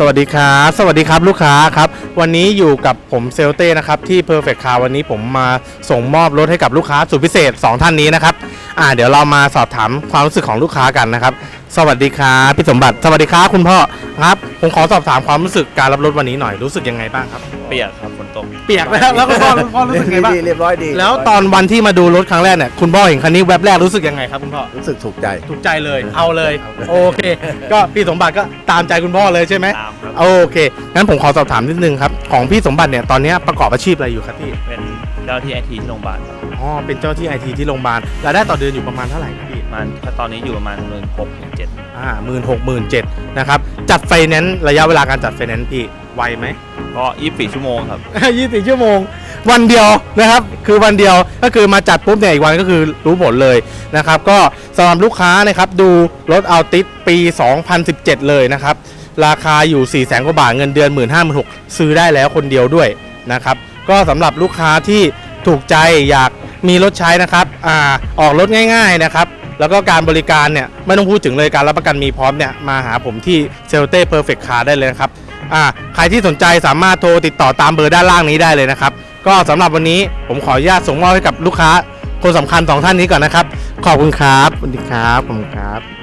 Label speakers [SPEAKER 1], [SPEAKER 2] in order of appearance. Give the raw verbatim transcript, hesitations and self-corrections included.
[SPEAKER 1] วัสดีครับสวัสดีครับลูกค้าครับวันนี้อยู่กับผมเซลเต้นะครับที่ Perfect Car วันนี้ผมมาส่งมอบรถให้กับลูกค้าสุดพิเศษสองท่านนี้นะครับอ่าเดี๋ยวเรามาสอบถามความรู้สึกของลูกค้ากันนะครับสวัสดีครับพี่สมบัติสวัสดีครับคุณพ่อครับผมขอสอบถามความรู้สึกการรับรถวันนี้หน่อยรู้สึกยังไงบ้างครับ
[SPEAKER 2] เปียกครับฝนตก
[SPEAKER 1] เปียกแล้วแล้วคุณพ่อคุณพ่อรู้สึกไงบ้าง
[SPEAKER 3] เรียบร้อยดี
[SPEAKER 1] แล้วตอนวันที่มาดูรถครั้งแรกเนี่ยคุณพ่อเห็นคันนี้แวบแรกรู้สึกยังไงครับคุณพ่อ
[SPEAKER 3] รู้สึกถูกใจ
[SPEAKER 1] ถูกใจเลยเอาเลยโอเคก็พี่สมบัติก็ตามใจคุณพ่อเลยใช่ไหม
[SPEAKER 2] ตามครับ
[SPEAKER 1] โอเคงั้นผมขอสอบถามนิดนึงครับของพี่สมบัติเนี่ยตอนนี้ประกอบอาชีพอะไรอยู่ครับพี่
[SPEAKER 2] เป็นเจ้าที่ไอทีที่โรงพยาบาลครับ
[SPEAKER 1] อ๋อเป็นเจ้าที่ไอทีที่โรงพยาบาลรายได้ต่อเดือนอยู่ประมาณเท่าไหร่ครับพี่
[SPEAKER 2] มันตอนนี้อยู่ประมาณหมื่นหกถึงเจ็ด
[SPEAKER 1] อ่าหมื่นหกหมื่นเจ็ดนะครับจัดไฟแนนซ์ระยะเวลาการจัดไฟแนนซ์พี่ไวไหม
[SPEAKER 2] ก็ยี่สิบสี่ชั่วโมงครับ
[SPEAKER 1] ยี่สิบสี่ชั่วโมงวันเดียวนะครับคือวันเดียวก็คือมาจัดปุ๊บเนี่ยอีกวันก็คือรู้ผลเลยนะครับก็สำหรับลูกค้านะครับดูรถอัลติสปีสองพันสิบเจ็ดเลยนะครับราคาอยู่ สี่แสน กว่าบาทเงินเดือน หนึ่งหมื่นห้าพันหกพัน ซื้อได้แล้วคนเดียวด้วยนะครับก็สำหรับลูกค้าที่ถูกใจอยากมีรถใช้นะครับอ่าออกรถง่ายๆนะครับแล้วก็การบริการเนี่ยไม่ต้องพูดถึงเลยการรับประกันมีพร้อมเนี่ยมาหาผมที่เซลเต้เพอร์เฟคต์คาร์ได้เลยนะครับอ่าใครที่สนใจสามารถโทรติดต่อตามเบอร์ด้านล่างนี้ได้เลยนะครับก็สำหรับวันนี้ผมขออนุญาตส่งมอบให้กับลูกค้าคนสำคัญสองท่านนี้ก่อนนะครับขอบคุณครับสวัสดีครับขอบคุณครับ